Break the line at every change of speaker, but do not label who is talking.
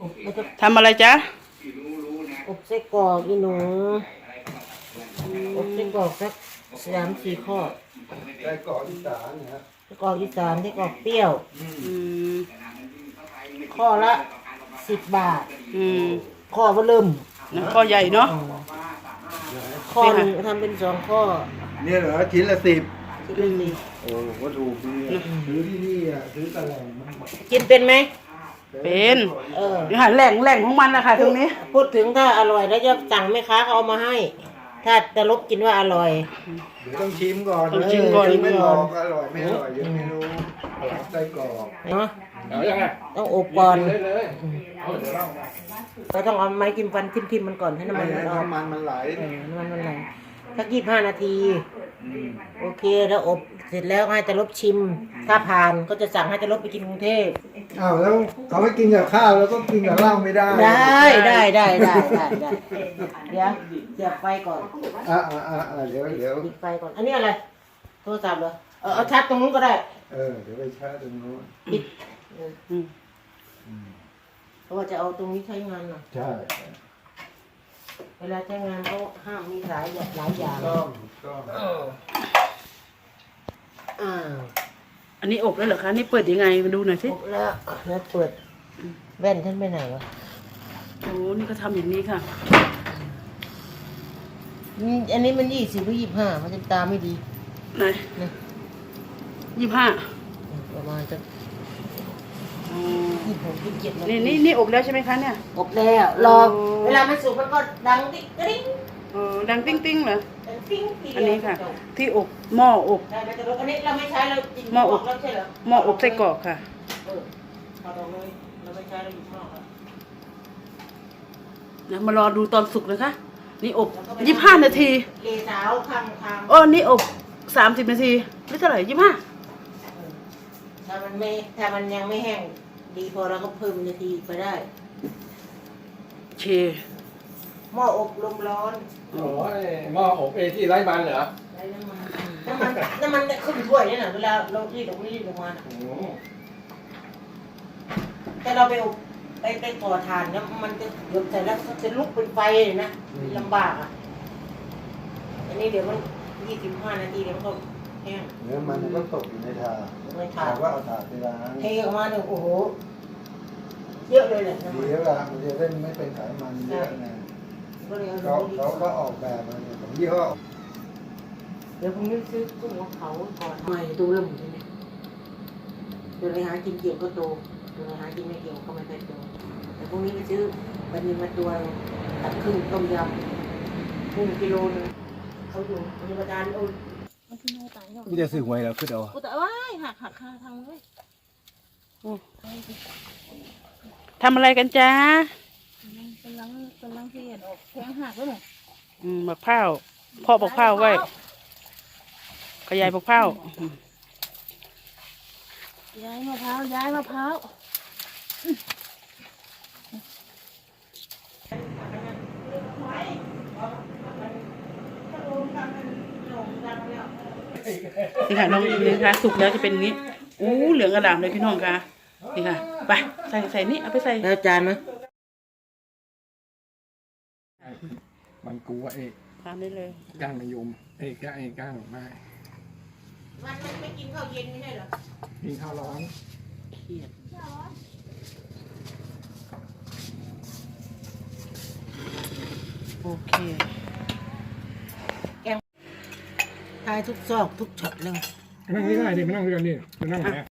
ทำอะไรจ๊ะ
อบไส้กรอกอีหนูอบไส้กรอกสัก3-4 ข้อ
ไส้กรอกอีสานนะ
ไส้กรอกอีสานไส้กรอกเปรี้ยวข้อละ10 บาทข้อก็เริ่ม
ข้อใหญ่เนาะ
ข้อหนึ่งทำเป็น2 ข้อ
เนี่ยเหรอชิ้นละ10
ชิ้นละ10
โอ้ก็ถูกดีซื้อที่นี่อ่ะซื้อตะแหล่งมัน
กินเป็นไหม
เป็นเดี๋ยวหาแหล่งของมันนะคะตรงนี้
พูดถึงถ้าอร่อยแล้วจะสั่งแม่ค้าเขาเอามาให้ถ้าจะลบกินว่าอร่อย
เดี๋ยวต้องชิมก่อน
ชิมก่อน
ไม่บอกอร่อยไม่อร่อยยังไม่รู้ไส้กรอก
เนาะ
ยังไง
ต้องอบก่อนเราต้องเอาไม้จิ้มฟันทิ่มมันก่อนให้น้ำมัน
น้ำมันไหล
น้ำมันไหลสัก25 นาทีโอเคแล้วอบเสร็จแล้วให้จะลบชิมถ้าผ่านก็จะสั่งให้จะลบไปกินกรุงเทพ
อ้าวแล้วเขาไม่กินกับข้าวแล้วก็กินกับเหล้าไม่ได้
ได้เดี๋ยวไฟก่อน
เดี๋ยว
ปิดไฟก่อนอันนี้อะไรโทรศัพท์เหรอเอาชาร์จตรงนู้นก็ได้
เดี๋ยวไปชาร์จตรงนู้น
ปิดเพราะว่าจะเอาตรงนี้ใช้งานหน่อย
ใช่
เวลาใช้งานเขาห้ามมีหลายอย่าง
อันนี้อบแล้วเหรอคะนี่เปิดยังไงมาดูหน่อยสิ
อบแล้วเปิดแว่นท่านไปไหนวะ
โอ้นี่ก็ทำอย่างนี้ค่ะ
อันนี้มัน20 หรือ 25มันจะตาไม่ดี
ไหน25
ประมาณจะ26 27
นี่อบแล้วใช่ไหมคะเนี่ย
อบแล้วรอเวลามันสุกมันก็ดังติ๊งติ๊ง
ดังติ้งเหรอ
ติ๊ง
อันนี้ค่ะที่อบหม้ออบ
อันนี้เราไม่ใช้เรา
หม้ออบ
แล้วใช่เหรอ
หม้ออบไส้กรอกค่ะ
เราไม่ใช้เราอยู่ข้างนอก
นะมารอดูตอนสุกนะคะนี่อบ25 นาที
เลสาวข้
างนี่อบ30 นาทีหรือเท่าไหร่25
ถ้ามันยังไม่แห้งดีพอเราก็เพิ่มนาทีไปได้หม้ออบลมร้อน
หม้ออบที่ไร้มันเหรอ
ไร้น้ำมันขึ้นถ้วยนี่นะเวลาเรารีดลงมาแต่เราไปอบไปก่อถ่านแล้วมันจะเดือดใส่แล้วจะลุกเป็นไฟนะลำบากอันนี้เดี๋ยวมัน25 นาทีเดี๋ยวมันก็แห้ง
เนื้อมันก็ตกอยู่ในถาดว่าเอาถาดไปล้าง
เทออกมาเนี่ยโอ้โหเยอะเลยแหละ
ดีแล้วล่ะมันจะได้ไม่เป็นไขมันเยอะนะเขาก็ออกแบบมาเนี่ยของยี่ห้อ
เดี๋ยวพรุ่งนี้ซื้อกุ้งของเขาก่อนใหม่ตัวเริ่มใช่ไหมเดี๋ยวไปหากินเกี่ยวก็โตเดี๋ยวไปหากินไม่เกี่ยวก็ไม่เป็นโตแต่พรุ่งนี้ไปซื้อบันนี้มาตัวตัดครึ่งต้มยำกุ้งกิโลนึงเขาอยู่มีประจานโอ้
กูจะซื้อหวยแล้วคือเอา
กูแต่ว่าหักค่าทางเลย
ทำอะไรกันจ๊ะ
กำลังเสียดออกแข้งหักแล้วหนู
บักเผาพ่อบักเผาไว้ขยายบักเผา
ย้ายมะพร้าว
นี่ค่ะน้องนี่ค่ะสุกแล้วจะเป็นอย่างนี้เหลืองกระดาษเลยพี่น้องค่ะนี่ค่ะไปใส่นี่เอาไปใส่
แล้วจานไหม
มันกูว่า
ทานได้เลย
ก้างมะยมก้างไม่
มันไม่กินข้าวเย็นไม่ได้หรอ
กินข้าวร้อน
เขียดโอเค
แกงทายทุกซอกทุกช็อตเลย
นั่งนี่ได้ดิมานั่งด้วยกันดิมานั่งไหน